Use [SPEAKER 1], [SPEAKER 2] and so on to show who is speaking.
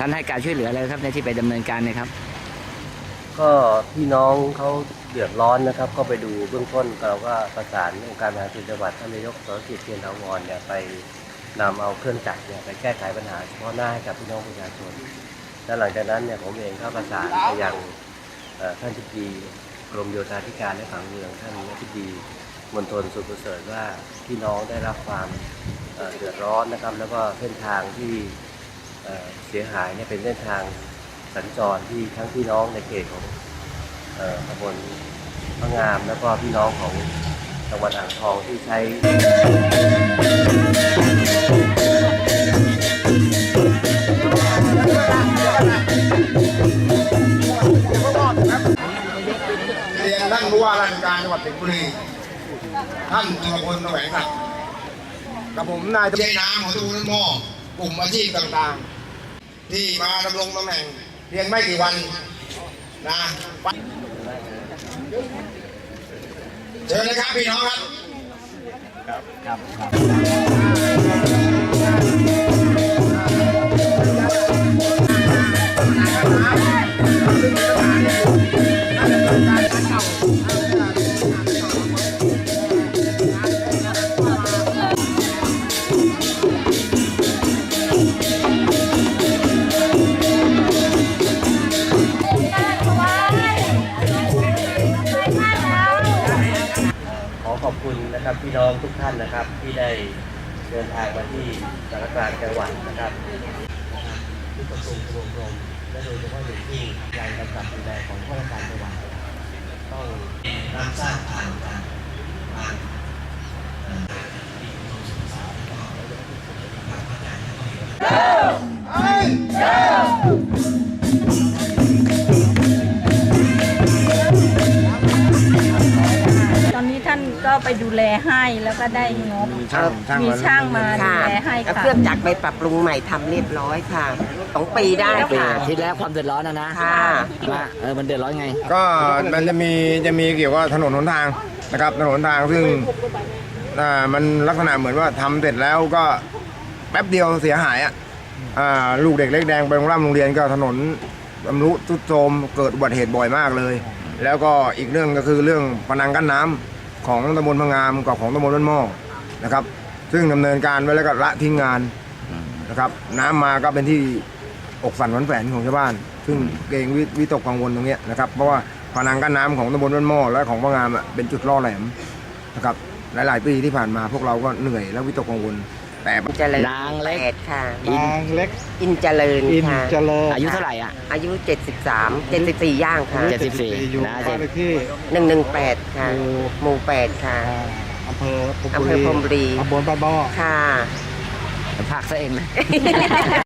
[SPEAKER 1] ท่านให้การช่วยเหลืออะไรครับในที่ไปดำเนินการเนี่ยครับ
[SPEAKER 2] ก็พี่น้องเขาเดือดร้อนนะครับก็ไปดูเบื้องต้นเราก็ประสานองค์การบริหารส่วนจังหวัดท่านนายกสรกิจเทียนถาวรเนี่ยไปนำเอาเครื่องจักรเนี่ยไปแก้ไขปัญหาเฉพาะหน้าให้กับพี่น้องประชาชนและหลังจากนั้นเนี่ยผมเองก็ประสานไปยังท่านทิบดีกรมโยธาธิการและผังเมืองท่านทิบดีมณฑลสุขประเสริฐว่าพี่น้องได้รับความเดือดร้อนนะครับแล้วก็เส้นทางที่เสียหายเนี่ยเป็นเส้นทางสัญจรที่ทั้งพี่น้องในเขตของตำบลพระงามแล้วก็พี่น้องของจังหวัดอ่างทองที่ใช้
[SPEAKER 3] เรียนท่านผู้ว่าราชการจังหวัดสิงห์บุรีท่านจุลพลแสวงศักดิ์กับผมนายใช้น้ำของตำบลหม้อกลุ่มอาชีพต่างๆที่มาดำรงตำแหน่งเพียงไม่กี่วันนะเชิญเลยครับพี่น้อง
[SPEAKER 2] ขอบคุณนะครับพี่น้องทุกท่านนะครับที่ได้เดินทางมาที่สารกลางจังหวัดนะครับที่ประชุมรวมรวมและโดยเฉพาะอย่างยิ่งการกำกับดูแลของข้าราชการจังหวัดต้องรับทราบผ่าน
[SPEAKER 4] ตอนนี้ท่านก็ไปดูแลให้แล้วก็ได้งบมีช่างมาดูแลให้ค่ะ
[SPEAKER 5] เครื่องจักรไปปรับปรุงใหม่ทำเรียบร้อยค่ะ2 ปีได้ค่ะ
[SPEAKER 1] ทีแรกความเดือดร้อนนะ
[SPEAKER 5] ค่ะ
[SPEAKER 1] ว่ามันเดือดร้อนไง
[SPEAKER 3] ก็มันจะมีเกี่ยวกับถนนหนทางนะครับถนนหนทางซึ่งมันลักษณะเหมือนว่าทำเสร็จแล้วก็แป๊บเดียวเสียหายลูกเด็กเล็กแดงไปโรงเรียนก็ถนนชำรุดทรุดโทรมเกิดอุบัติเหตุบ่อยมากเลยแล้วก็อีกเรื่องก็คือเรื่องพนังกั้นน้ำของตำบลพะงามกับของตำบลบ้านหม้อนะครับซึ่งดำเนินการไว้แล้วก็ละทิ้งงานนะครับน้ำมาก็เป็นที่อกสั่นหวั่นแหวนของชาวบ้านซึ่งเกรงวิตกกังวลตรงนี้นะครับเพราะว่าพนังกั้นน้ำของตำบลบ้านหม้อและของพะงามเป็นจุดล่อแหลมนะครับหลายๆปีที่ผ่านมาพวกเราก็เหนื่อยและวิตกกังวลแต่
[SPEAKER 5] เจริญ
[SPEAKER 1] นางเล็ก
[SPEAKER 5] ค่ะ
[SPEAKER 1] นางเล็ก
[SPEAKER 5] อินเจริญค่ะ
[SPEAKER 1] อายุเท่าไหร่
[SPEAKER 5] อายุ74 ย่างค่ะ
[SPEAKER 1] 74นะ
[SPEAKER 5] 118ค่ะหมู่ 8ค่ะ
[SPEAKER 3] อำเภอ
[SPEAKER 5] พรหมบุรี
[SPEAKER 3] ตำบลบ้านหม้อ
[SPEAKER 5] ค่ะ
[SPEAKER 1] ภาคซะเองเลย